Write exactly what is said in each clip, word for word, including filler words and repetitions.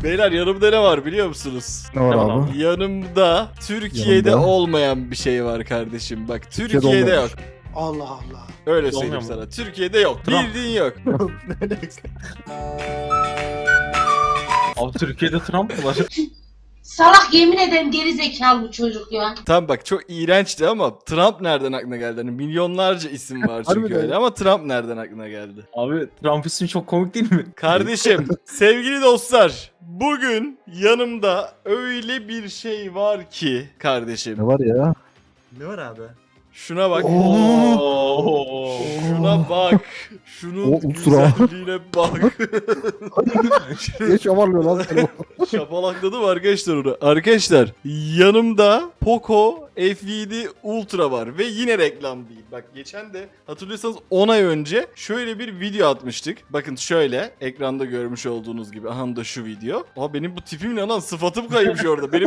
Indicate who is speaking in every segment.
Speaker 1: Beyler yanımda ne var biliyor musunuz?
Speaker 2: Ne var
Speaker 3: Tamam
Speaker 2: abi?
Speaker 1: Yanımda Türkiye'de
Speaker 2: Yanımda.
Speaker 1: olmayan bir şey var kardeşim. Bak Türkiye'de,
Speaker 2: Türkiye'de
Speaker 1: yok.
Speaker 2: olmamış.
Speaker 4: Allah Allah.
Speaker 1: Öyle
Speaker 3: Olmuyor
Speaker 1: söyleyeyim
Speaker 3: mu?
Speaker 1: sana. Türkiye'de yok.
Speaker 3: Trump.
Speaker 1: Bildiğin yok.
Speaker 3: Abi Türkiye'de Trump mı var?
Speaker 5: Salak yemin ederim geri zekalı bu çocuk ya.
Speaker 1: Tam bak çok iğrençti ama Trump nereden aklına geldi? Hani milyonlarca isim var çünkü
Speaker 2: Harbiden.
Speaker 1: öyle ama Trump nereden aklına geldi?
Speaker 3: Abi Trump ismi çok komik değil mi?
Speaker 1: Kardeşim, sevgili dostlar, bugün yanımda öyle bir şey var ki kardeşim.
Speaker 2: Ne var ya?
Speaker 4: Ne var abi?
Speaker 1: Şuna bak.
Speaker 3: Oo.
Speaker 1: Şuna bak. Şunun
Speaker 2: O ultra.
Speaker 1: güzelliğine bak.
Speaker 2: Niye şamarlıyor lan seni?
Speaker 1: Şapalakladım arkadaşlar onu. Arkadaşlar yanımda Poco F yedi Ultra var ve yine reklam değil. Bak geçen de hatırlıyorsanız on ay önce şöyle bir video atmıştık. Bakın şöyle ekranda görmüş olduğunuz gibi. Aha da şu video. Aa benim bu tipim ne lan, sıfatım kaymış orada. Benim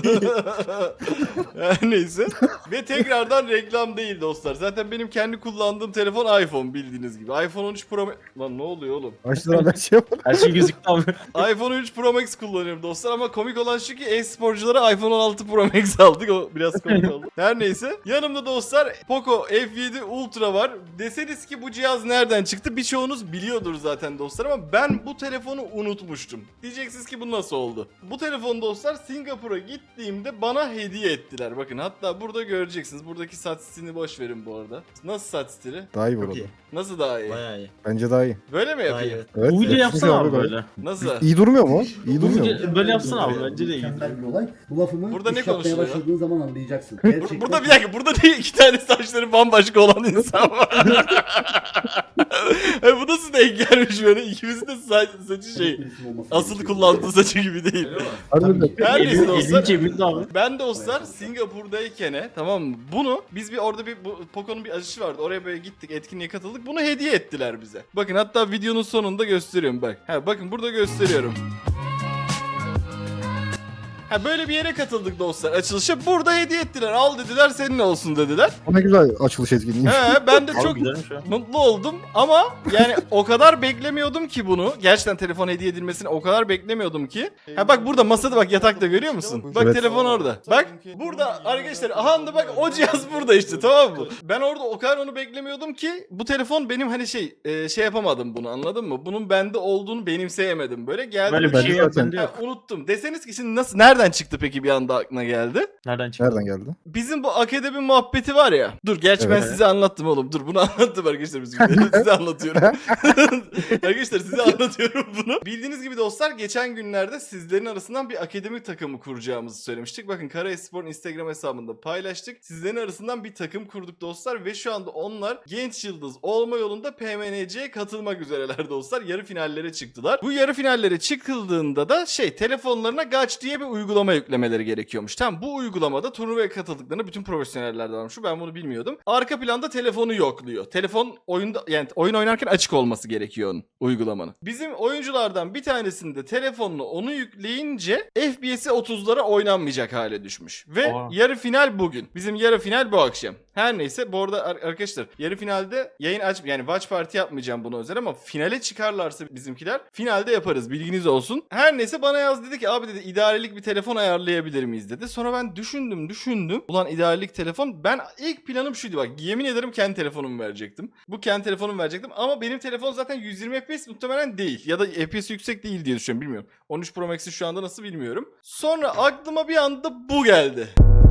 Speaker 1: Her neyse. Ve tekrardan reklam değil dostlar. Zaten benim kendi kullandığım telefon iPhone bildiğiniz gibi. iPhone on üç Pro Max... Lan ne oluyor oğlum?
Speaker 2: Kaç lira ben şey yapalım.
Speaker 3: Her şey gözüktü abi.
Speaker 1: iPhone on üç Pro Max kullanıyorum dostlar ama komik olan şu ki e-sporculara iPhone on altı Pro Max aldık. O biraz komik oldu. Her neyse. Yanımda dostlar Poco F yedi Ultra var. Deseniz ki bu cihaz nereden çıktı? Birçoğunuz biliyordur zaten dostlar ama ben bu telefonu unutmuştum. Diyeceksiniz ki bu nasıl oldu? Bu telefonu dostlar Singapur'a gittiğimde bana hediye ettiler. Bakın hatta burada göreceksiniz. Buradaki saç stilini boş verin bu arada. Nasıl saç stili?
Speaker 2: Daha iyi
Speaker 4: Çok
Speaker 2: burada.
Speaker 4: iyi.
Speaker 1: Nasıl daha iyi?
Speaker 4: Bayağı iyi.
Speaker 2: Bence daha iyi.
Speaker 1: Böyle mi
Speaker 4: Daha iyi.
Speaker 1: yapayım?
Speaker 4: Evet.
Speaker 2: Evet.
Speaker 3: Bu video
Speaker 2: evet.
Speaker 3: yapsana abi
Speaker 2: Gayet-
Speaker 3: böyle.
Speaker 1: Nasıl?
Speaker 2: İyi durmuyor mu? İyi durmuyor mu?
Speaker 3: Böyle- böyle yapsana abi, bence de iyi.
Speaker 6: Mükemmel bir olay. Bu lafımı
Speaker 1: Burada ne
Speaker 6: iş yapmaya
Speaker 1: konuşuluyor?
Speaker 6: başladığın zaman anlayacaksın.
Speaker 1: Bur-
Speaker 6: Gerçekten
Speaker 1: Burada bir dakika, burada değil iki tane saçları bambaşka olan insan var. E, bu nasıl denk gelmiş böyle? İkimizin de saç, saçı şey,
Speaker 6: bir isim olması
Speaker 1: asıl
Speaker 6: gerekiyor.
Speaker 1: kullandığı saçı gibi değil.
Speaker 2: Harbiden.
Speaker 1: Her neyse
Speaker 3: Elin,
Speaker 1: dostlar.
Speaker 3: elin cebinde abi.
Speaker 1: Ben dostlar Singapur'dayken tamam mı? Bunu biz bir orada bir bu, Poco'nun bir açışı vardı. Oraya böyle gittik, etkinliğe katıldık. Bunu hediye ettiler bize. Bakın hatta videonun sonunda gösteriyorum bak. Ha bakın burada gösteriyorum. Ha böyle bir yere katıldık dostlar açılışa. Burada hediye ettiler. Al dediler, senin olsun dediler.
Speaker 2: O ne güzel açılış etkinliği.
Speaker 1: He ben de
Speaker 3: Abi
Speaker 1: çok
Speaker 3: güzelmiş ha.
Speaker 1: mutlu oldum ama yani o kadar beklemiyordum ki bunu. Gerçekten telefon hediye edilmesini o kadar beklemiyordum ki. Ha bak burada masada bak, yatakta görüyor musun? Bak
Speaker 2: Evet.
Speaker 1: telefon orada. Bak burada arkadaşlar, aha da bak o cihaz burada işte, tamam mı? Ben orada o kadar onu beklemiyordum ki bu telefon benim hani şey e, şey yapamadım bunu, anladın mı? Bunun bende olduğunu benimseyemedim. Böyle geldi.
Speaker 3: Böyle bir
Speaker 2: Bence
Speaker 3: şey
Speaker 2: zaten-
Speaker 3: yaptın diyor.
Speaker 1: Ha, unuttum. Deseniz ki şimdi nasıl, nereden çıktı peki bir anda aklına geldi?
Speaker 3: Nereden çıktı?
Speaker 2: Nereden geldi?
Speaker 1: Bizim bu akademi muhabbeti var ya. Dur gerçi ben
Speaker 2: Evet.
Speaker 1: size anlattım oğlum. Dur bunu anlattım arkadaşlar biz günde. Size anlatıyorum. Arkadaşlar size anlatıyorum bunu. Bildiğiniz gibi dostlar geçen günlerde sizlerin arasından bir akademi takımı kuracağımızı söylemiştik. Bakın Karaespor'un Instagram hesabında paylaştık. Sizlerin arasından bir takım kurduk dostlar ve şu anda onlar genç yıldız olma yolunda P M N C'ye katılmak üzereler dostlar. Yarı finallere çıktılar. Bu yarı finallere çıkıldığında da şey, telefonlarına Gaç diye bir uygulama yüklemeleri gerekiyormuş. Tamam, bu uygulamada turnuvaya katıldıklarında bütün profesyoneller de varmış. Ben bunu bilmiyordum. Arka planda telefonu yokluyor. Telefon oyunda, yani oyun oynarken açık olması gerekiyor onun, uygulamanın. Bizim oyunculardan bir tanesinde telefonunu onu yükleyince F P S'i otuzlara oynanmayacak hale düşmüş. Ve
Speaker 3: Aa.
Speaker 1: yarı final bugün. Bizim yarı final bu akşam. Her neyse bu arada ar- arkadaşlar yarı finalde yayın aç, yani watch party yapmayacağım buna özel ama finale çıkarlarsa bizimkiler finalde yaparız, bilginiz olsun. Her neyse bana yaz, dedi ki abi dedi idarelik bir telefon ayarlayabilir miyiz dedi. Sonra ben düşündüm düşündüm. Ulan idarelik telefon, ben ilk planım şuydu bak, yemin ederim kendi telefonumu verecektim. Bu kendi telefonumu verecektim ama benim telefon zaten yüz yirmi F P S muhtemelen değil ya da F P S yüksek değil diye düşünüyorum, bilmiyorum. on üç Pro Max'i şu anda nasıl bilmiyorum. Sonra aklıma bir anda bu geldi.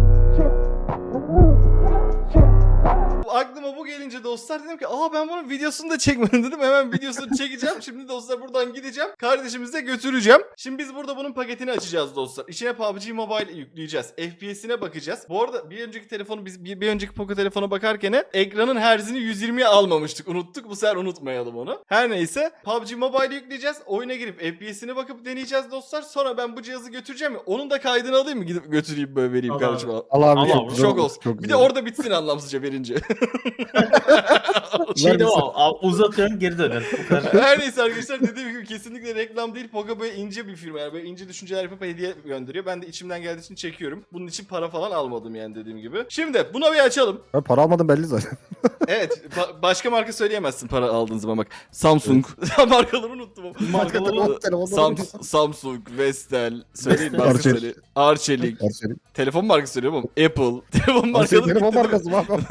Speaker 1: Aklıma bu gelince dostlar dedim ki aa ben bunun videosunu da çekmedim dedim. Hemen videosunu çekeceğim. Şimdi dostlar buradan gideceğim. Kardeşimize götüreceğim. Şimdi biz burada bunun paketini açacağız dostlar. İçine P U B G Mobile yükleyeceğiz. F P S'ine bakacağız. Bu arada bir önceki telefonu biz bir, bir önceki Poco telefona bakarken ekranın herzini yüz yirmiye almamıştık. Unuttuk. Bu sefer unutmayalım onu. Her neyse P U B G Mobile yükleyeceğiz. Oyuna girip F P S'ine bakıp deneyeceğiz dostlar. Sonra ben bu cihazı götüreceğim. Onun da kaydını alayım mı? Gidip götüreyim böyle vereyim
Speaker 4: Al
Speaker 1: kardeşime.
Speaker 4: abi.
Speaker 2: Al abi.
Speaker 3: Allah
Speaker 2: çok
Speaker 3: Allah,
Speaker 2: güzel
Speaker 1: Şok
Speaker 2: oldu,
Speaker 1: olsun.
Speaker 2: çok
Speaker 1: Bir de
Speaker 2: güzel.
Speaker 1: orada bitsin anlamsızca verince.
Speaker 3: Şey de o. a- Uzatıyorsun geri döner. Bu kadar.
Speaker 1: Her neyse arkadaşlar, dediğim gibi kesinlikle reklam değil. Poco böyle ince bir firma. Yani böyle ince düşünceler yapıp hediye gönderiyor. Ben de içimden geldiği için çekiyorum. Bunun için para falan almadım yani, dediğim gibi. Şimdi buna bir açalım.
Speaker 2: Ben para almadım belli zaten.
Speaker 1: Evet. ba- başka marka söyleyemezsin para aldığın zaman bak. Samsung. Markaları unuttum ama.
Speaker 3: Markaları
Speaker 2: Telefonda
Speaker 1: Sam- Samsung, Vestel, söyleyin marka
Speaker 2: Arçelik.
Speaker 1: söyle. Arçelik.
Speaker 2: Arçelik.
Speaker 1: Telefon markası söylüyorum ama Apple. Telefon
Speaker 2: Arçelik
Speaker 1: markaları
Speaker 2: benim o
Speaker 1: bitti.
Speaker 2: markası mı abi?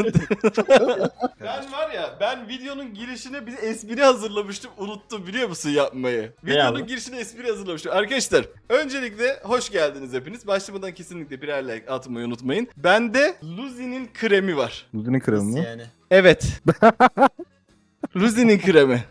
Speaker 1: Ben var ya, ben videonun girişine bir espri hazırlamıştım, unuttum biliyor musun yapmayı?
Speaker 3: Ne
Speaker 1: Videonun
Speaker 3: abi?
Speaker 1: girişine espri hazırlamıştım. Arkadaşlar öncelikle hoş geldiniz hepiniz. Başlamadan kesinlikle birer like atmayı unutmayın. Bende Luzi'nin kremi var.
Speaker 2: Ludin'in kremi
Speaker 4: Nasıl
Speaker 2: mi?
Speaker 4: yani?
Speaker 1: Evet. Luzi'nin kremi.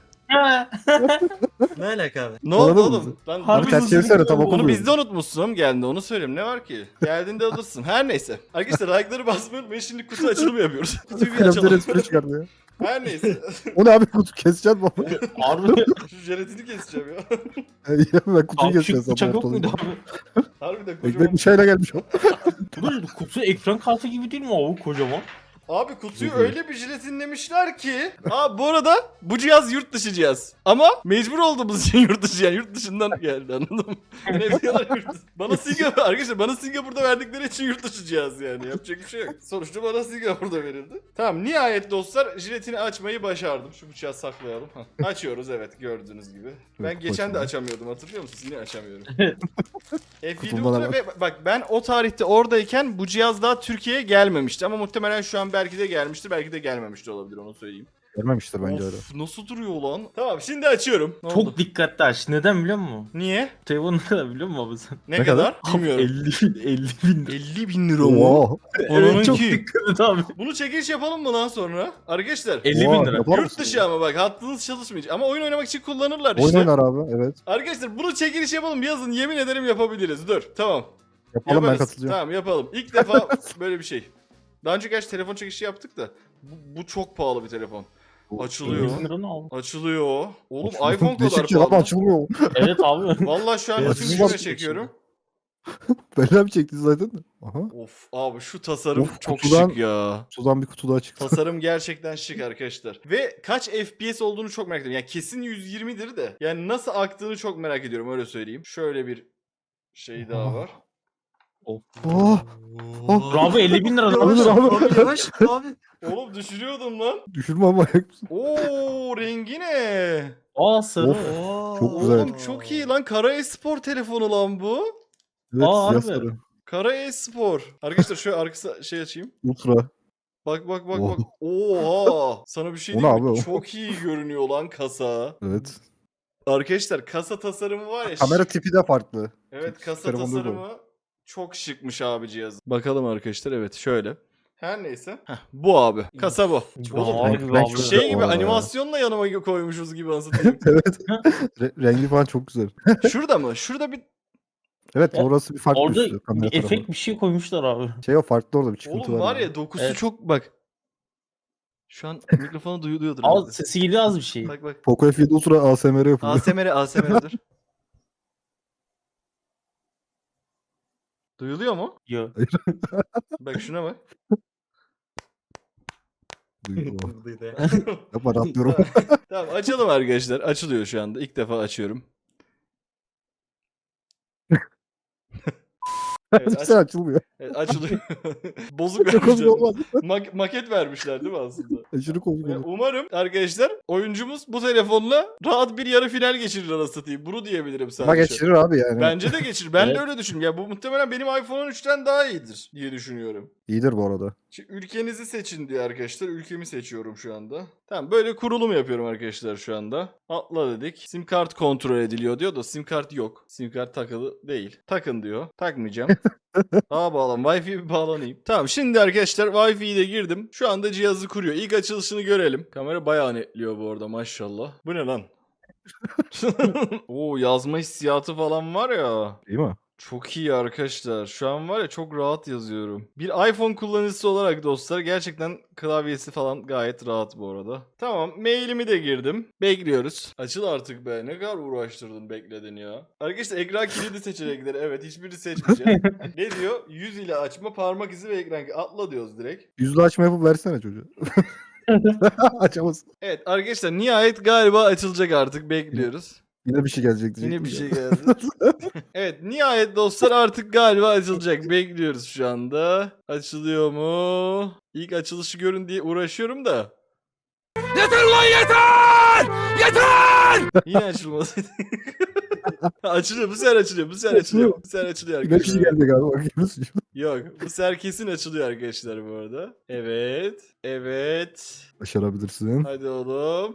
Speaker 4: Ne alaka abi?
Speaker 1: Ne oldu
Speaker 2: Anladın
Speaker 1: oğlum?
Speaker 2: mı?
Speaker 1: Lan
Speaker 3: Harbi
Speaker 2: Abi ters
Speaker 3: Luzi'nin
Speaker 2: çevirsene tam
Speaker 3: kremi.
Speaker 1: Onu
Speaker 2: okumuyorum.
Speaker 1: bizde unutmuşsun geldi, onu söyleyeyim, ne var ki? Geldiğinde alırsın. Her neyse. Arkadaşlar like'ları basmayı unutmayın, şimdi kutu açılımı yapıyoruz. Kutuyu bir
Speaker 2: Kremden
Speaker 1: açalım.
Speaker 2: espri çıkardı ya.
Speaker 1: Her neyse.
Speaker 2: O ne abi kutu keseceğiz mi?
Speaker 3: Harbi.
Speaker 1: Şu jelatini keseceğim ya.
Speaker 2: Ya ben kutuyu
Speaker 3: Abi
Speaker 2: keseceğiz.
Speaker 3: şu bıçak yok muydu abi?
Speaker 1: Harbiden kocaman.
Speaker 2: Ekmek bıçağıyla gelmiş o.
Speaker 3: Bunun kutusu ekran kartı gibi değil mi abi kocaman?
Speaker 1: Abi kutuyu
Speaker 2: Güzel.
Speaker 1: öyle bir jelatinlemişler ki. Aa bu arada bu cihaz yurt dışı cihaz. Ama mecbur olduğumuz için yurt dışı, yani yurt dışından geldi, anladın mı? Ne diyorlar yurt dışı. Bana Singapur, arkadaşlar bana Singapur'da verdikleri için yurt dışı cihaz yani. Yapacak bir şey yok. Sonuçta bana Singapur'da verildi. Tamam, nihayet dostlar jiletini açmayı başardım. Şu bıçağı saklayalım. Hah, açıyoruz evet, gördüğünüz gibi. Ben
Speaker 2: Evet,
Speaker 1: geçen de
Speaker 2: açalım.
Speaker 1: açamıyordum, hatırlıyor musunuz? Yine açamıyorum.
Speaker 3: Evet.
Speaker 1: F yedi
Speaker 2: Kutumda da
Speaker 1: Ultra
Speaker 2: var.
Speaker 1: ve bak ben o tarihte oradayken bu cihaz daha Türkiye'ye gelmemişti ama muhtemelen şu an belki de gelmiştir, belki de gelmemiş de olabilir, onu söyleyeyim.
Speaker 2: Gelmemiştir bence öyle.
Speaker 1: Of, nasıl duruyor lan? Tamam, şimdi açıyorum. Ne oldu?
Speaker 3: Çok dikkatli aç. Neden biliyor musun?
Speaker 1: Niye?
Speaker 3: Telefon ne kadar biliyor musun abi sen?
Speaker 1: Ne,
Speaker 2: Ne
Speaker 1: kadar?
Speaker 2: kadar?
Speaker 1: Bilmiyorum.
Speaker 3: elli bin, elli bin.
Speaker 1: elli bin lira mı?
Speaker 2: Oo.
Speaker 1: Onun
Speaker 3: Evet çok
Speaker 1: ki.
Speaker 3: dikkat et abi.
Speaker 1: Bunu çekiliş yapalım mı lan sonra? Arkadaşlar.
Speaker 3: elli
Speaker 2: Oha,
Speaker 3: bin lira.
Speaker 2: yapar
Speaker 1: Yurt
Speaker 2: mısın?
Speaker 1: dışı ama bak, hattınız çalışmayacak. Ama oyun oynamak için kullanırlar
Speaker 2: Oyun
Speaker 1: işte.
Speaker 2: oynar abi evet.
Speaker 1: Arkadaşlar bunu çekiliş yapalım, yazın, yemin ederim yapabiliriz. Dur, tamam.
Speaker 2: Yapalım ben
Speaker 1: Yaparız.
Speaker 2: katılacağım.
Speaker 1: Tamam yapalım. İlk defa böyle bir şey. Daha önce gerçi telefon çekişi yaptık da. Bu, bu çok pahalı bir telefon. Açılıyor.
Speaker 3: elli bin lira ne abi?
Speaker 1: Açılıyor. Oğlum
Speaker 2: Açılmıyor.
Speaker 1: iPhone kadar
Speaker 2: Değişik ki lan,
Speaker 1: pahalı.
Speaker 2: açılmıyor.
Speaker 3: Evet abi.
Speaker 1: Vallahi şu an
Speaker 4: Evet,
Speaker 1: bütün
Speaker 2: bizim
Speaker 1: gücüme
Speaker 2: var-
Speaker 1: çekiyorum.
Speaker 2: Bella mi çekti zaten? Aha.
Speaker 1: Of abi, şu tasarım
Speaker 2: Of,
Speaker 1: çok
Speaker 2: kutudan-
Speaker 1: şık ya.
Speaker 2: Sudan bir kutu daha çıktı.
Speaker 1: Tasarım gerçekten şık arkadaşlar. Ve kaç F P S olduğunu çok merak ediyorum. Yani kesin yüz yirmidir de. Yani nasıl aktığını çok merak ediyorum, öyle söyleyeyim. Şöyle bir şey daha var.
Speaker 3: Of.
Speaker 2: Oh, oh.
Speaker 3: Bravo elli bin lira.
Speaker 4: Yavaş
Speaker 2: Abi, abi.
Speaker 4: abi yavaş abi.
Speaker 1: Oğlum düşürüyordum lan.
Speaker 2: düşürme ama ayak mısın?
Speaker 1: Oo, rengi ne?
Speaker 3: Aa sarı.
Speaker 2: Of.
Speaker 4: Oo.
Speaker 2: Çok güzel.
Speaker 1: Oğlum çok iyi lan. Kara Espor telefonu lan bu.
Speaker 2: Evet
Speaker 3: Aa,
Speaker 2: siyah
Speaker 3: harbi.
Speaker 2: sarı.
Speaker 1: Kara Espor. Arkadaşlar şöyle arkası şey açayım.
Speaker 2: Ultra.
Speaker 1: Bak bak bak
Speaker 2: Oh.
Speaker 1: bak. Oha. Sana bir şey
Speaker 2: O ne
Speaker 1: diyeyim mi?
Speaker 2: abi o?
Speaker 1: Çok iyi görünüyor lan kasa.
Speaker 2: Evet.
Speaker 1: Arkadaşlar kasa tasarımı var ya.
Speaker 2: Kamera
Speaker 1: şık.
Speaker 2: tipi de farklı.
Speaker 1: Evet, kasa
Speaker 2: telefonda da
Speaker 1: tasarımı çok şıkmış abi cihaz. Bakalım arkadaşlar, evet şöyle. Her neyse. Heh, bu abi. Kasa bu.
Speaker 3: Oğlum,
Speaker 2: Renk-
Speaker 3: abi,
Speaker 2: renk
Speaker 3: abi.
Speaker 2: çok
Speaker 1: Şey
Speaker 2: güzel
Speaker 1: gibi
Speaker 2: bu arada
Speaker 1: animasyonla yanıma koymuşuz gibi anlatayım.
Speaker 2: Evet. Re- rengi falan çok güzel.
Speaker 1: Şurada mı? Şurada bir...
Speaker 2: Evet
Speaker 3: Ya,
Speaker 2: orası bir farklı
Speaker 3: Orada
Speaker 2: üstü. Kamera
Speaker 3: bir
Speaker 2: tarafı.
Speaker 3: efekt bir şey koymuşlar abi.
Speaker 2: Şey o farklı orada bir çıkıntı
Speaker 1: Oğlum var
Speaker 2: yani.
Speaker 1: ya, dokusu
Speaker 3: Evet.
Speaker 1: çok... Bak. Şu an mikrofonu duyuluyordur.
Speaker 3: Az
Speaker 1: herhalde.
Speaker 3: sesi geliyor az bir şey.
Speaker 1: Bak bak.
Speaker 2: Poco F yedi Ultra A S M R yapılıyor.
Speaker 1: A S M R, A S M R dur. Duyuluyor mu?
Speaker 3: Yo.
Speaker 1: Bak şuna bak.
Speaker 2: Duyuyor.
Speaker 4: Buradaydı ya.
Speaker 2: Yapma rahatlıyorum.
Speaker 1: Tamam, açalım arkadaşlar. Açılıyor şu anda. İlk defa açıyorum. Evet, aç-
Speaker 2: Sen açılmıyor.
Speaker 1: evet, açılıyor. Bozuk
Speaker 2: Çok komik
Speaker 1: vermişler.
Speaker 2: olmaz.
Speaker 1: Mak- maket vermişler değil mi aslında?
Speaker 2: Aşırı komik
Speaker 1: Ve
Speaker 2: olur.
Speaker 1: umarım arkadaşlar oyuncumuz bu telefonla rahat bir yarı final geçirir, anasını satayım. Bunu diyebilirim sadece.
Speaker 2: Ama geçirir abi yani.
Speaker 1: Bence de geçirir. Ben
Speaker 3: Evet.
Speaker 1: de öyle düşünüyorum. Ya bu muhtemelen benim iPhone on üçten daha iyidir diye düşünüyorum.
Speaker 2: İyidir bu arada.
Speaker 1: Şimdi ülkenizi seçin diyor arkadaşlar. Ülkemi seçiyorum şu anda. Tamam, böyle kurulum yapıyorum arkadaşlar şu anda. Atla dedik. Sim kart kontrol ediliyor diyor da sim kart yok. Sim kart takılı değil. Takın diyor. Takmayacağım. Daha bağlan. Wi-Fi'ye bir bağlanayım. Tamam, şimdi arkadaşlar Wi-Fi'yi de girdim. Şu anda cihazı kuruyor. İlk açılışını görelim. Kamera bayağı netliyor bu arada, maşallah. Bu ne lan? Oo, yazma hissiyatı falan var ya.
Speaker 2: Değil mi?
Speaker 1: Çok iyi arkadaşlar. Şu an var ya çok rahat yazıyorum. Bir iPhone kullanıcısı olarak dostlar gerçekten klavyesi falan gayet rahat bu arada. Tamam, mailimi de girdim. Bekliyoruz. Açıl artık be. Ne kadar uğraştırdın bekledin ya. Arkadaşlar ekran kilidi seçenekleri. Evet, hiçbiri seçmeyeceğim. Ne diyor? Yüz ile açma, parmak izi ve ekran kilidi. Atla diyoruz direkt.
Speaker 2: Yüzlü açma yapıp versene çocuğa. Açamaz.
Speaker 1: Evet arkadaşlar nihayet galiba açılacak artık. Bekliyoruz.
Speaker 2: Yine bir şey gelecek diyecektim.
Speaker 1: Yine bir
Speaker 2: ya.
Speaker 1: şey geldi. Evet nihayet dostlar artık galiba açılacak. Bekliyoruz şu anda. Açılıyor mu? İlk açılışı görün diye uğraşıyorum da. Yeter lan yeter! Yeter! Yine açılmadı. Açılıyor, bu sefer açılıyor, bu sefer açılıyor. Bu sefer açılıyor
Speaker 2: Yine bir şey
Speaker 1: arkadaşlar.
Speaker 2: gelecek abi. Bakıyoruz.
Speaker 1: Yok, bu sefer kesin açılıyor arkadaşlar bu arada. Evet, evet.
Speaker 2: Başarabilirsin.
Speaker 1: Hadi oğlum.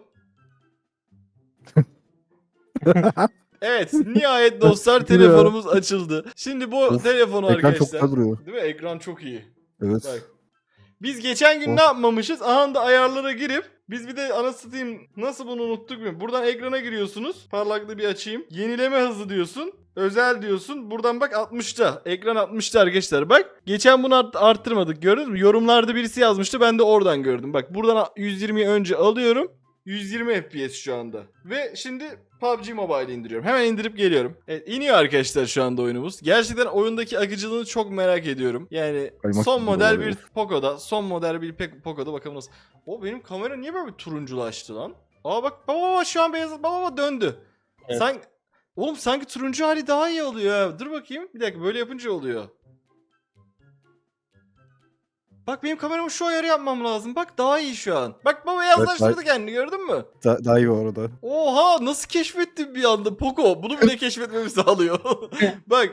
Speaker 1: Evet, nihayet dostlar telefonumuz açıldı. Şimdi bu
Speaker 2: Of,
Speaker 1: telefonu
Speaker 2: Ekran çok
Speaker 1: arkadaşlar.
Speaker 2: güzel duruyor.
Speaker 1: Değil mi? Ekran çok iyi.
Speaker 2: Evet.
Speaker 1: Bak. Biz geçen gün
Speaker 2: Of.
Speaker 1: ne yapmamışız? Aha da ayarlara girip biz bir de anasını satayım nasıl bunu unuttuk mu? Buradan ekrana giriyorsunuz. Parlaklığı bir açayım. Yenileme hızı diyorsun. Özel diyorsun. Buradan bak altmışta. Ekran altmışta arkadaşlar. Bak. Geçen bunu art- arttırmadık. Gördünüz mü? Yorumlarda birisi yazmıştı. Ben de oradan gördüm. Bak buradan yüz yirmiyi önce alıyorum. yüz yirmi F P S şu anda. Ve şimdi P U B G Mobile indiriyorum. Hemen indirip geliyorum. Evet, iniyor arkadaşlar şu anda oyunumuz. Gerçekten oyundaki akıcılığını çok merak ediyorum. Yani
Speaker 2: Kaymak
Speaker 1: son
Speaker 2: gibi
Speaker 1: model
Speaker 2: oluyor.
Speaker 1: bir Poco'da, son model bir Pe- Poco'da bakalım nasıl. O benim kamera niye böyle bir turunculaştı lan? Aa bak baba baba şu an beyaz baba baba döndü.
Speaker 3: Evet.
Speaker 1: Sen oğlum sanki turuncu hali daha iyi oluyor ha. Dur bakayım. Bir dakika böyle yapınca oluyor. Bak benim kameramı şu ayarı yapmam lazım. Bak daha iyi şu an. Bak baba beyazlaştırdı
Speaker 2: Evet,
Speaker 1: kendini gördün mü?
Speaker 2: Da- daha iyi bu arada.
Speaker 1: Oha nasıl keşfettin bir anda Poco? Bunu bile keşfetmemi sağlıyor. Bak.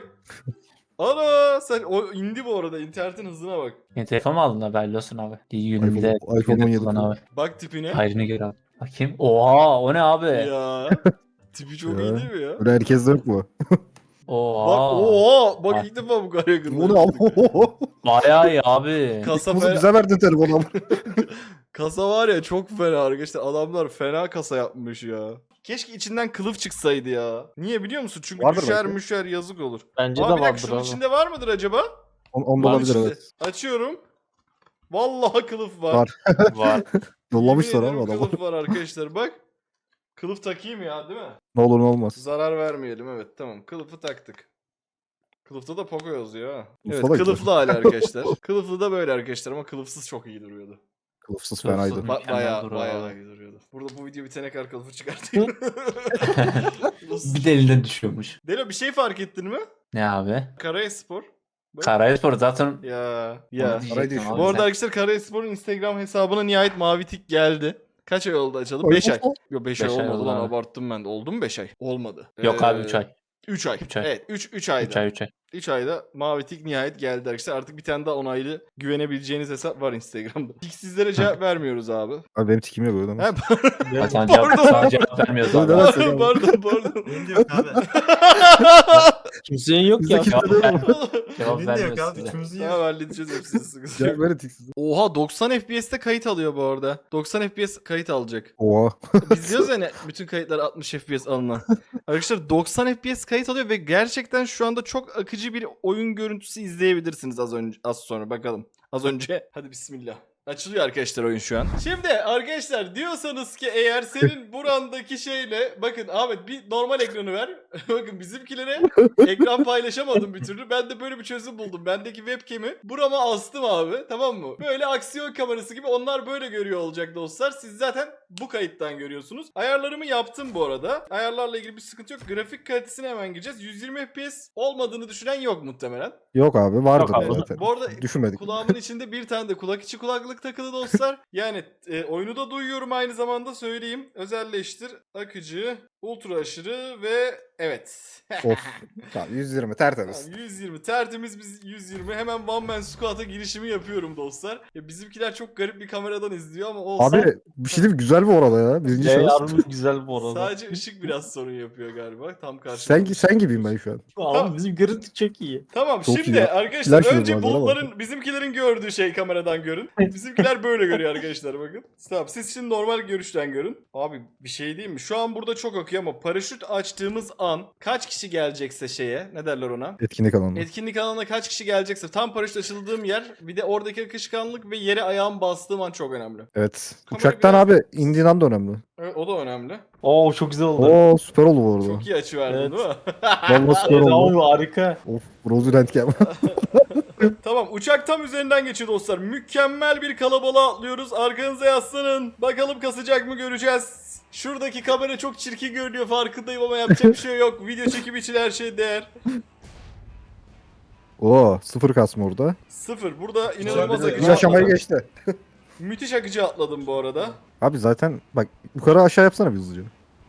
Speaker 1: Ana sen o indi bu arada internetin hızına bak.
Speaker 7: Yeni telefon mu aldın haberli olsun abi. İyi günümde
Speaker 2: iPhone- iPhone on yedi
Speaker 7: kullan
Speaker 2: Pro.
Speaker 7: abi.
Speaker 1: Bak tipine.
Speaker 7: Hayrını gör abi. Bakayım. Oha o ne abi?
Speaker 1: Ya. Tipi çok
Speaker 2: Ya.
Speaker 1: iyi değil mi ya?
Speaker 2: Öyle herkeste yok mu?
Speaker 7: Oha.
Speaker 1: Bak oha bak
Speaker 7: Bak.
Speaker 1: ilk defa bu kadar yakında.
Speaker 2: Bu ne abi?
Speaker 7: Bayağı iyi abi.
Speaker 1: Kasa,
Speaker 2: Bunu
Speaker 1: fena,
Speaker 2: bize verdin telefonu ama.
Speaker 1: kasa var ya çok fena arkadaşlar. Adamlar fena kasa yapmış ya. Keşke içinden kılıf çıksaydı ya. Niye biliyor musun? Çünkü
Speaker 2: Vardır
Speaker 1: düşer
Speaker 2: belki.
Speaker 1: müşer yazık olur.
Speaker 3: Bence
Speaker 1: Abi
Speaker 3: de
Speaker 1: bir dakika
Speaker 3: vardır
Speaker 1: şunun
Speaker 3: abi.
Speaker 1: içinde var mıdır acaba?
Speaker 2: On, onda
Speaker 1: Var
Speaker 2: olabilir
Speaker 1: içinde.
Speaker 2: evet.
Speaker 1: Açıyorum. Vallahi kılıf var.
Speaker 2: Var.
Speaker 3: Var.
Speaker 2: Yollamışlar
Speaker 1: Yemin
Speaker 2: abi
Speaker 1: ederim
Speaker 2: adamı.
Speaker 1: Kılıf var arkadaşlar bak. Kılıf takayım ya değil mi?
Speaker 2: Ne olur ne olmaz.
Speaker 1: Zarar vermeyelim evet tamam. Kılıfı taktık. Kılıfta da Poco yazıyor ha. Evet
Speaker 2: Kılıfta da güzel.
Speaker 1: kılıflı hali arkadaşlar. Kılıflı da böyle arkadaşlar ama kılıfsız çok iyi duruyordu.
Speaker 2: Kılıfsız
Speaker 7: Kılıfsız.
Speaker 2: fenaydı.
Speaker 1: Ba
Speaker 7: Mükemmel
Speaker 1: bayağı
Speaker 7: duruyor
Speaker 1: bayağı
Speaker 7: abi.
Speaker 1: iyi duruyordu. Burada bu video bitene kadar kılıfı çıkartayım.
Speaker 7: Bir de elinden düşüyormuş.
Speaker 1: Delo bir şey fark ettin mi?
Speaker 7: Ne abi?
Speaker 1: Karayaspor. Bak.
Speaker 7: Karayspor zaten
Speaker 1: Ya
Speaker 7: Onu
Speaker 1: ya.
Speaker 7: diyecektim
Speaker 2: Arayı düşün.
Speaker 7: abi
Speaker 1: Bu arada
Speaker 7: sen.
Speaker 1: arkadaşlar Karayaspor'un Instagram hesabına nihayet mavi tik geldi. Kaç ay oldu açalım? beş ay. Yok beş ay
Speaker 7: Beş ay
Speaker 1: olmadı
Speaker 7: oldu
Speaker 1: lan
Speaker 7: abi.
Speaker 1: abarttım ben de. Oldu mu beş ay? Olmadı.
Speaker 7: Yok abi üç ay.
Speaker 1: üç ay.
Speaker 7: Üç ay.
Speaker 1: Evet üç, üç ayda.
Speaker 7: üç ay üç ay.
Speaker 1: üç ayda mavi tik nihayet geldi arkadaşlar. Artık bir tane daha onaylı güvenebileceğiniz hesap var Instagram'da. Tiksizlere cevap vermiyoruz abi.
Speaker 2: Abi benim tikim yok öyle.
Speaker 1: He,
Speaker 7: Zaten cevap,
Speaker 1: Pardon.
Speaker 7: sana cevap vermiyoruz abi.
Speaker 2: Neden?
Speaker 1: pardon pardon pardon.
Speaker 4: Benim de yok abi.
Speaker 3: Kimsenin yok
Speaker 2: Bizde
Speaker 3: ya.
Speaker 2: kimse de yok mu?
Speaker 7: Cevap
Speaker 4: Benim de yok
Speaker 7: vermiyoruz
Speaker 4: abi.
Speaker 7: size.
Speaker 4: Üçümüzün
Speaker 1: Tamam
Speaker 4: yok.
Speaker 1: halledeceğiz hepsini sıkıntı
Speaker 2: Cevap
Speaker 1: yok.
Speaker 2: verin tiksiz.
Speaker 1: Oha doksan F P S'te kayıt alıyor bu arada. doksan F P S kayıt alacak.
Speaker 2: Oha.
Speaker 1: Biz diyoruz yani bütün kayıtlar altmış F P S alınan. Arkadaşlar doksan F P S kayıt alıyor ve gerçekten şu anda çok akıcı bir oyun görüntüsü izleyebilirsiniz az önce az sonra bakalım. Az önce hadi bismillah. Açılıyor arkadaşlar oyun şu an. Şimdi arkadaşlar diyorsanız ki eğer senin burandaki şeyle bakın Ahmet bir normal ekranı ver. Bakın bizimkilere ekran paylaşamadım bir türlü. Ben de böyle bir çözüm buldum. Bendeki webcam'i burama astım abi tamam mı? Böyle aksiyon kamerası gibi onlar böyle görüyor olacak dostlar. Siz zaten bu kayıttan görüyorsunuz. Ayarlarımı yaptım bu arada. Ayarlarla ilgili bir sıkıntı yok. Grafik kalitesine hemen gireceğiz. yüz yirmi F P S olmadığını düşünen yok muhtemelen.
Speaker 2: Yok abi vardır
Speaker 3: Yok abi.
Speaker 2: zaten.
Speaker 1: Bu arada
Speaker 2: Düşünmedik.
Speaker 1: kulağımın içinde bir tane de kulak içi kulaklık takılı dostlar. Yani e, oyunu da duyuyorum aynı zamanda söyleyeyim. Özelleştir, akıcı, ultra aşırı ve evet.
Speaker 2: Of. Tamam yüz yirmi tertemiz.
Speaker 1: Tamam, yüz yirmi tertemiz biz yüz yirmi hemen One Man Squat'a girişimi yapıyorum dostlar. Ya bizimkiler çok garip bir kameradan izliyor ama olsa
Speaker 2: Abi bir şey diyeyim mi? Güzel bu arada ya. Birinci
Speaker 3: Ya
Speaker 2: şahıs.
Speaker 3: harbi güzel bu arada.
Speaker 1: sadece ışık biraz sorun yapıyor galiba tam karşımda.
Speaker 2: Sen, sen gibiyim ben şu an.
Speaker 3: Abi bizim görüntü çok iyi.
Speaker 1: Tamam
Speaker 2: Çok
Speaker 1: şimdi
Speaker 2: iyi.
Speaker 1: arkadaşlar
Speaker 2: Flash
Speaker 1: önce
Speaker 2: yüz var, bana bak.
Speaker 1: bulutların bizimkilerin gördüğü şey kameradan görün. Bizim Bizimkiler böyle görüyor arkadaşlar bakın. Tamam siz şimdi normal görüşten görün. Abi bir şey diyeyim mi? Şu an burada çok akıyor ama paraşüt açtığımız an kaç kişi gelecekse şeye ne derler ona?
Speaker 2: Etkinlik alanı.
Speaker 1: Etkinlik alanına kaç kişi gelecekse tam paraşüt açıldığım yer bir de oradaki akışkanlık ve yere ayağım bastığım an çok önemli.
Speaker 2: Evet.
Speaker 1: Kamera
Speaker 2: Uçaktan
Speaker 1: biraz-
Speaker 2: abi indiğin an da önemli.
Speaker 1: Evet o da önemli.
Speaker 3: Oo çok güzel oldu.
Speaker 2: Oo süper oldu bu arada.
Speaker 1: Çok iyi açı verdin
Speaker 3: Evet.
Speaker 1: değil mi?
Speaker 2: Vallahi süper
Speaker 3: Evet
Speaker 2: oldu.
Speaker 3: abi harika.
Speaker 2: Of Rosie Rentgen.
Speaker 1: Tamam uçak tam üzerinden geçiyor dostlar. Mükemmel bir kalabalığa atlıyoruz. Arkanıza yaslanın. Bakalım kasacak mı göreceğiz. Şuradaki kamera çok çirkin görünüyor farkındayım ama yapacak bir şey yok. Video çekimi için her şey değer.
Speaker 2: Oo sıfır kasma orada.
Speaker 1: Sıfır. Burada inanılmaz
Speaker 4: Güzel bir-
Speaker 1: akıcı
Speaker 2: Bir aşamayı
Speaker 1: atladım.
Speaker 2: geçti.
Speaker 1: Müthiş akıcı atladım bu arada.
Speaker 2: Abi zaten bak yukarı aşağı yapsana bir hızlıca.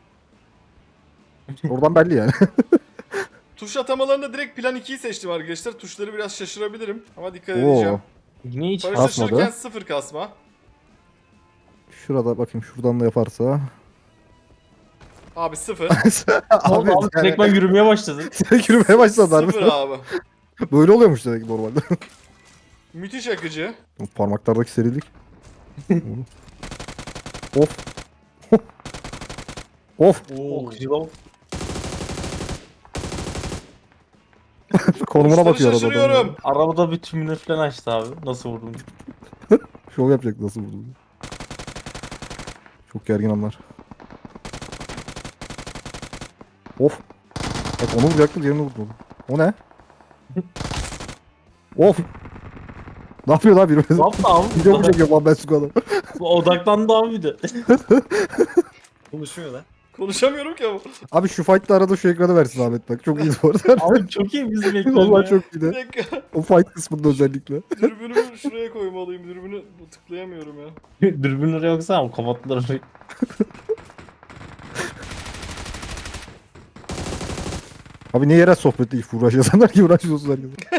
Speaker 2: Oradan belli yani.
Speaker 1: Tuş atamalarında direkt plan ikiyi seçtim arkadaşlar. Tuşları biraz şaşırabilirim ama dikkat
Speaker 2: Oo.
Speaker 1: edeceğim.
Speaker 3: Yine hiç
Speaker 1: Paraşüt
Speaker 2: kasmadı.
Speaker 1: açılırken sıfır kasma.
Speaker 2: Şurada bakayım şuradan da yaparsa.
Speaker 1: Abi sıfır.
Speaker 3: abi, abi direkt ben yürümeye başladım.
Speaker 2: Sen yürümeye başladılar.
Speaker 1: Sıfır abi.
Speaker 2: Böyle oluyormuş demek normalde.
Speaker 1: Müthiş akıcı.
Speaker 2: O parmaklardaki serilik. Of. Of.
Speaker 3: Oo güzel oldu.
Speaker 2: Konumuna
Speaker 1: Tuşları
Speaker 2: bakıyor arada. adam.
Speaker 1: şaşırıyorum.
Speaker 3: Arabada bir tümünü falan açtı abi. Nasıl vurdum?
Speaker 2: Şov yapacak nasıl vurdu. Çok gergin anlar. Of. Bak onu vuracaktı diğerini vurdu. O ne? Of. Ne yapıyor lan biri?
Speaker 3: Ne yaptı abi?
Speaker 2: Video mu çekiyor lan ben su adam?
Speaker 3: Odaklandı abi bir de.
Speaker 4: Konuşmuyor lan.
Speaker 1: Konuşamıyorum ki ama.
Speaker 2: Abi şu fight'ta arada şu ekranı versin Ahmet bak. Çok iyi bu arada.
Speaker 3: Abi çok iyi bizim ekran
Speaker 2: Vallahi
Speaker 3: ya.
Speaker 2: çok iyi
Speaker 1: Bir
Speaker 2: de.
Speaker 1: dakika.
Speaker 2: O fight kısmında özellikle.
Speaker 1: Dürbünümü şuraya koymalıyım. Dürbünü tıklayamıyorum ya.
Speaker 3: Dürbün oraya yoksa abi kapattılar orayı.
Speaker 2: Abi niye yere sohbette hiç uğraşıyorsanlar ki uğraşıyorsunuz herkese.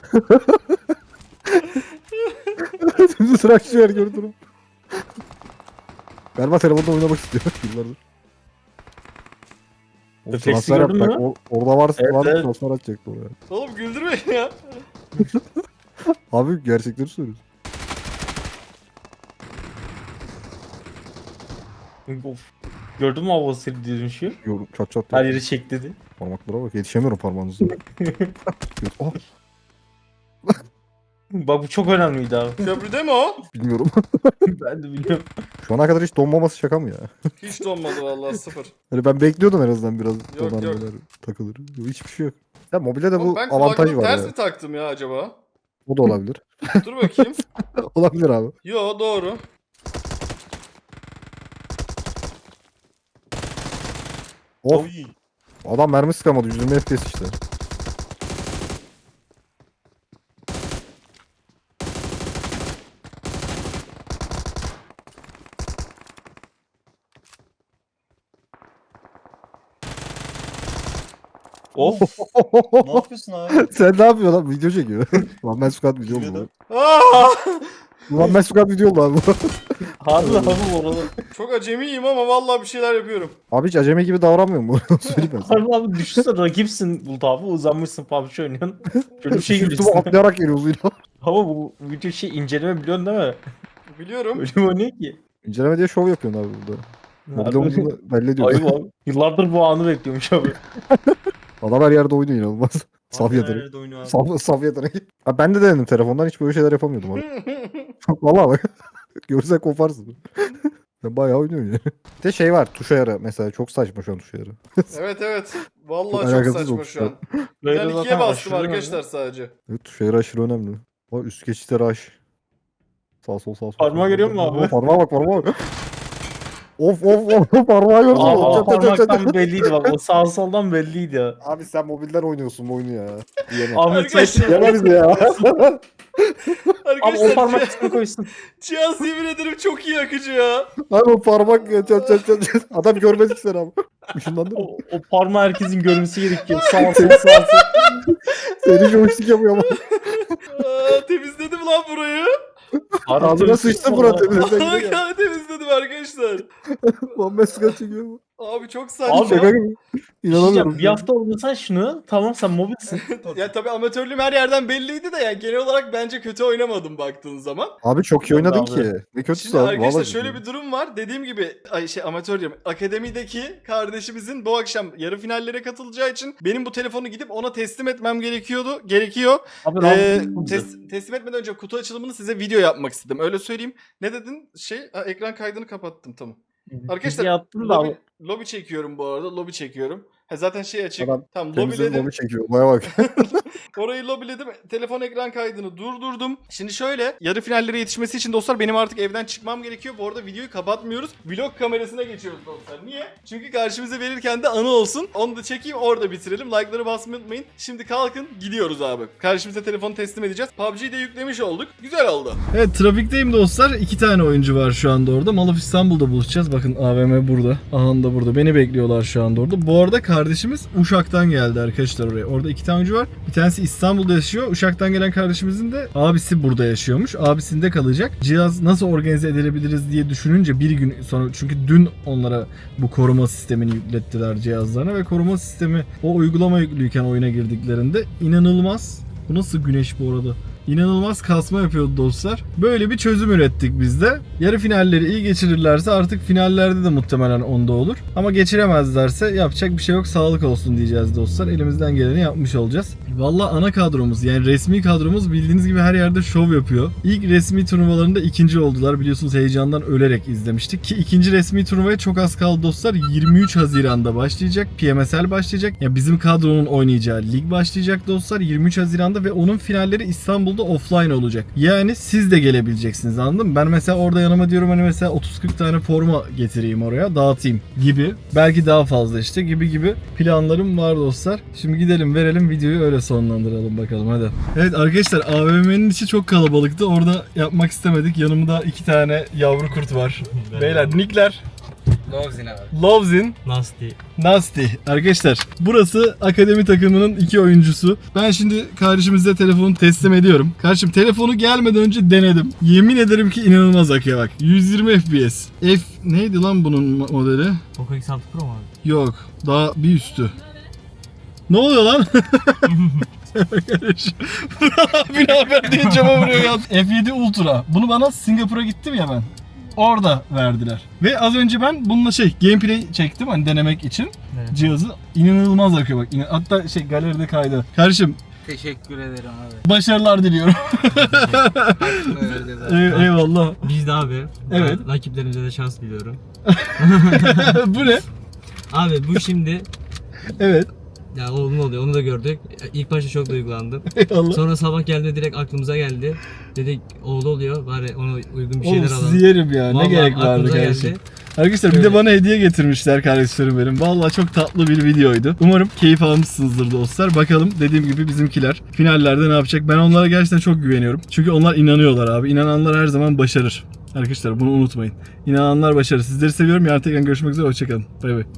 Speaker 2: Şimdi sıra açıyor her gördüm. Galiba telefonda oynamak istiyor yıllardır. O
Speaker 3: Refleksi
Speaker 2: transfer
Speaker 3: gördün
Speaker 2: yap,
Speaker 3: mü?
Speaker 2: bak, o- orada varsa
Speaker 3: Evet,
Speaker 2: var
Speaker 3: evet.
Speaker 2: transfer atacaktı oraya.
Speaker 1: Oğlum güldürmeyin ya.
Speaker 2: Abi gerçekleri söylüyorsun.
Speaker 3: Of. Gördün mü hava seri dönüşü?
Speaker 2: Yorum çat çat.
Speaker 3: Her
Speaker 2: yap.
Speaker 3: yeri çek dedi.
Speaker 2: Parmaklara bak yetişemiyorum parmağınızla. oh,
Speaker 3: Bak bu çok önemliydi abi.
Speaker 1: Köprüde mi o?
Speaker 2: bilmiyorum.
Speaker 3: Ben de biliyorum.
Speaker 2: Şu ana kadar hiç donmaması şaka mı ya?
Speaker 1: Hiç donmadı vallahi sıfır.
Speaker 2: Hani ben bekliyordum en azından biraz
Speaker 1: Yok,
Speaker 2: donar
Speaker 1: yok.
Speaker 2: donar takılır. Yok, hiçbir şey yok. Ya mobilde de
Speaker 1: Oğlum
Speaker 2: bu
Speaker 1: ben
Speaker 2: avantaj
Speaker 1: kulaklığı
Speaker 2: var
Speaker 1: ters
Speaker 2: ya.
Speaker 1: mi taktım ya acaba?
Speaker 2: O da olabilir.
Speaker 1: Dur bakayım.
Speaker 2: olabilir abi.
Speaker 1: Yo doğru.
Speaker 2: Of. Adam mermi sıkamadı. yüz yirmi F P S işte.
Speaker 3: Of.
Speaker 4: Ne yapıyorsun abi?
Speaker 2: Sen ne yapıyorsun lan? Video çekiyor. Lan ben Squad video oldu.
Speaker 4: Videoda.
Speaker 1: Aa!
Speaker 2: Lan ben Squad video oldu abi.
Speaker 3: Harbi abi orada.
Speaker 1: Çok acemiyim ama vallahi bir şeyler yapıyorum.
Speaker 2: Abi hiç acemi gibi davranmıyor mu? Söyleyeyim ben sana.
Speaker 3: Harbi abi düşünsene rakipsin Bulut abi uzanmışsın P U B G oynuyorsun. Şöyle bir şey
Speaker 2: Sırtıma
Speaker 3: gülüyorsun.
Speaker 2: atlayarak geliyoruz yine.
Speaker 3: Ama bu video şey inceleme biliyorsun değil mi?
Speaker 1: Biliyorum.
Speaker 3: Öyle mi oynuyor ki?
Speaker 2: İnceleme diye şov yapıyorsun abi burada. Mobilde
Speaker 3: Harbi.
Speaker 2: olduğunu belli ediyor.
Speaker 3: Ayıp abi. Yıllardır bu anı bekliyormuş abi.
Speaker 2: Adam her yerde oynuyor inanılmaz. Saf
Speaker 4: Abi
Speaker 2: yetenek.
Speaker 4: nerede oynuyor abi?
Speaker 2: Saf, saf yetenek. Abi ben de denedim telefondan hiç böyle şeyler yapamıyordum abi. Valla bak. Görsen koparsın. Sen bayağı oynuyorsun yani. Bir de şey var tuş ayarı mesela çok saçma şu an tuş ayarı.
Speaker 1: Evet evet. Vallahi
Speaker 2: Çok
Speaker 1: çok,
Speaker 2: alakasız
Speaker 1: saçma
Speaker 2: olmuş
Speaker 1: şu an.
Speaker 3: Böyle
Speaker 1: Ben ikiye
Speaker 3: zaten
Speaker 1: bastım
Speaker 3: aşırı
Speaker 1: arkadaşlar sadece.
Speaker 2: Evet tuş ayarı aşırı önemli. Bak üst geçişleri aş. Sağ sol sağ sol.
Speaker 3: Parmağı görüyor musun abi?
Speaker 2: Parmağa bak parmağa bak. Of of of parmağı gördün mü?
Speaker 3: Aa,
Speaker 2: Çat, çat, çat, çat.
Speaker 3: parmaktan belliydi bak o sağ soldan belliydi ya.
Speaker 2: Abi sen mobilden oynuyorsun bu oyunu ya. Yeme.
Speaker 3: Ahmet
Speaker 1: Arkadaşlar-
Speaker 3: sen
Speaker 2: Yeme bizi ya.
Speaker 3: abi o
Speaker 1: Arkadaşlar
Speaker 3: parmak
Speaker 1: cih-
Speaker 3: üstüne koysun.
Speaker 1: cihaz yemin ederim çok iyi akıcı ya.
Speaker 2: Abi o parmak ya çat çat çat. çat. Adam görmedik seni abi. Işınlandı mı?
Speaker 3: O, o parmağı herkesin görmesi gerekiyor. Sağ sol sağ sol.
Speaker 2: Seni joystick yapıyor ama.
Speaker 1: Aa, temizledim lan burayı.
Speaker 2: Ağzına sıçtı Murat. Temizle gidiyor.
Speaker 1: Vallahi temizledim gibi arkadaşlar.
Speaker 2: Bomba sigara çekiyor bu.
Speaker 1: Abi çok saçma.
Speaker 3: Abi,
Speaker 2: Şaka gibi. İnanamıyorum.
Speaker 3: Bir hafta oynarsan şunu tamam sen mobilsin.
Speaker 1: Ya tabii amatörlüğüm her yerden belliydi de yani genel olarak bence kötü oynamadım baktığın zaman.
Speaker 2: Abi çok iyi oynadın
Speaker 3: Abi.
Speaker 2: ki. Ne kötüsü
Speaker 1: Şimdi
Speaker 2: abi.
Speaker 1: arkadaşlar
Speaker 2: Vallahi
Speaker 1: şöyle bir durum var. Dediğim gibi ay şey amatör diyorum. Akademideki kardeşimizin bu akşam yarı finallere katılacağı için benim bu telefonu gidip ona teslim etmem gerekiyordu. Gerekiyor.
Speaker 3: Abi
Speaker 1: Ee,
Speaker 3: rahat
Speaker 1: tes- teslim etmeden önce kutu açılımını size video yapmak istedim. Öyle söyleyeyim. Ne dedin? Şey ha, ekran kaydını kapattım tamam. Arkadaşlar
Speaker 3: yaptım da
Speaker 1: lobi,
Speaker 3: abi.
Speaker 1: lobi çekiyorum bu arada. Lobi çekiyorum. Ha, zaten şey açık.
Speaker 2: Adam
Speaker 1: Tamam
Speaker 2: temizledim
Speaker 1: lobiledim.
Speaker 2: onu çekiyor. Baya bak.
Speaker 1: Orayı lobiledim. Telefon ekran kaydını durdurdum. Şimdi şöyle yarı finallere yetişmesi için dostlar benim artık evden çıkmam gerekiyor. Bu arada videoyu kapatmıyoruz. Vlog kamerasına geçiyoruz dostlar. Niye? Çünkü karşımıza verirken de anı olsun. Onu da çekeyim orada bitirelim. Like'ları basmayı unutmayın. Şimdi kalkın gidiyoruz abi. Karşımıza telefonu teslim edeceğiz. P U B G'yi de yüklemiş olduk. Güzel oldu. Evet trafikteyim dostlar. İki tane oyuncu var şu anda orada. Malaf İstanbul'da buluşacağız. Bakın A V M burada. Ahan da burada. Beni bekliyorlar şu anda orada. Bu arada kardeşimiz Uşak'tan geldi arkadaşlar oraya. Orada iki tane oyuncu var. Bir tanesi İstanbul'da yaşıyor. Uşak'tan gelen kardeşimizin de abisi burada yaşıyormuş. Abisinde kalacak. Cihaz nasıl organize edilebiliriz diye düşününce bir gün sonra çünkü dün onlara bu koruma sistemini yüklettiler cihazlarına ve koruma sistemi o uygulama yüklüyken oyuna girdiklerinde inanılmaz. Bu nasıl güneş bu arada? İnanılmaz kasma yapıyordu dostlar. Böyle bir çözüm ürettik biz de. Yarı finalleri iyi geçirirlerse artık finallerde de muhtemelen onda olur. Ama geçiremezlerse yapacak bir şey yok. Sağlık olsun diyeceğiz dostlar. Elimizden geleni yapmış olacağız. Valla ana kadromuz yani resmi kadromuz bildiğiniz gibi her yerde şov yapıyor. İlk resmi turnuvalarında ikinci oldular. Biliyorsunuz heyecandan ölerek izlemiştik. Ki ikinci resmi turnuvaya çok az kaldı dostlar. yirmi üç Haziran'da başlayacak. P M S L başlayacak. Yani bizim kadronun oynayacağı lig başlayacak dostlar. yirmi üç Haziran'da ve onun finalleri İstanbul da offline olacak. Yani siz de gelebileceksiniz anladın mı? Ben mesela orada yanıma diyorum hani mesela otuz kırk tane forma getireyim oraya dağıtayım gibi. Belki daha fazla işte gibi gibi planlarım var dostlar. Şimdi gidelim verelim videoyu öyle sonlandıralım bakalım hadi. Evet arkadaşlar A V M'nin içi çok kalabalıktı. Orada yapmak istemedik. Yanımda iki tane yavru kurt var. Beyler nickler.
Speaker 8: Lovzin abi.
Speaker 3: Lovzin,
Speaker 8: Nasty.
Speaker 3: Nasty. Arkadaşlar burası akademi takımının iki oyuncusu. Ben şimdi kardeşimize telefonu teslim ediyorum. Kardeşim telefonu gelmeden önce denedim. Yemin ederim ki inanılmaz akıyor bak. yüz yirmi F P S. F neydi lan bunun modeli?
Speaker 8: Poco X altı Pro mu abi?
Speaker 3: Yok. Daha bir üstü. Ne oluyor lan? Abi ne haber diye cama vuruyor ya. F yedi Ultra. Bunu bana Singapur'a gittim ya ben. Orada verdiler. Ve az önce ben bununla şey gameplay çektim hani denemek için.
Speaker 8: Evet.
Speaker 3: Cihazı inanılmaz akıyor bak. İnan- Hatta şey galeride kaydı. Kardeşim
Speaker 8: Teşekkür ederim abi.
Speaker 3: başarılar diliyorum. Ey- eyvallah.
Speaker 8: Biz de abi.
Speaker 3: Evet.
Speaker 8: ben Rakiplerimize de şans diliyorum.
Speaker 3: Bu ne?
Speaker 8: Abi bu şimdi
Speaker 3: Evet.
Speaker 8: ya oğlum oluyor onu da gördük. İlk başta çok duygulandım.
Speaker 3: Eyvallah.
Speaker 8: Sonra sabah geldi direkt aklımıza geldi. Dedik oğlu oluyor bari ona uygun bir şeyler
Speaker 3: Oğlum
Speaker 8: alalım.
Speaker 3: sizi yerim ya.
Speaker 8: Vallahi
Speaker 3: ne gerek vardı
Speaker 8: aklımıza
Speaker 3: kardeşim.
Speaker 8: geldi.
Speaker 3: Arkadaşlar bir de
Speaker 8: Öyle.
Speaker 3: bana hediye getirmişler kardeşlerim benim. Vallahi çok tatlı bir videoydu. Umarım keyif almışsınızdır dostlar. Bakalım dediğim gibi bizimkiler finallerde ne yapacak? Ben onlara gerçekten çok güveniyorum. Çünkü onlar inanıyorlar abi. İnananlar her zaman başarır. Arkadaşlar bunu unutmayın. İnananlar başarır. Sizleri seviyorum. Yarın tekrar görüşmek üzere. Hoşçakalın. Bay bay.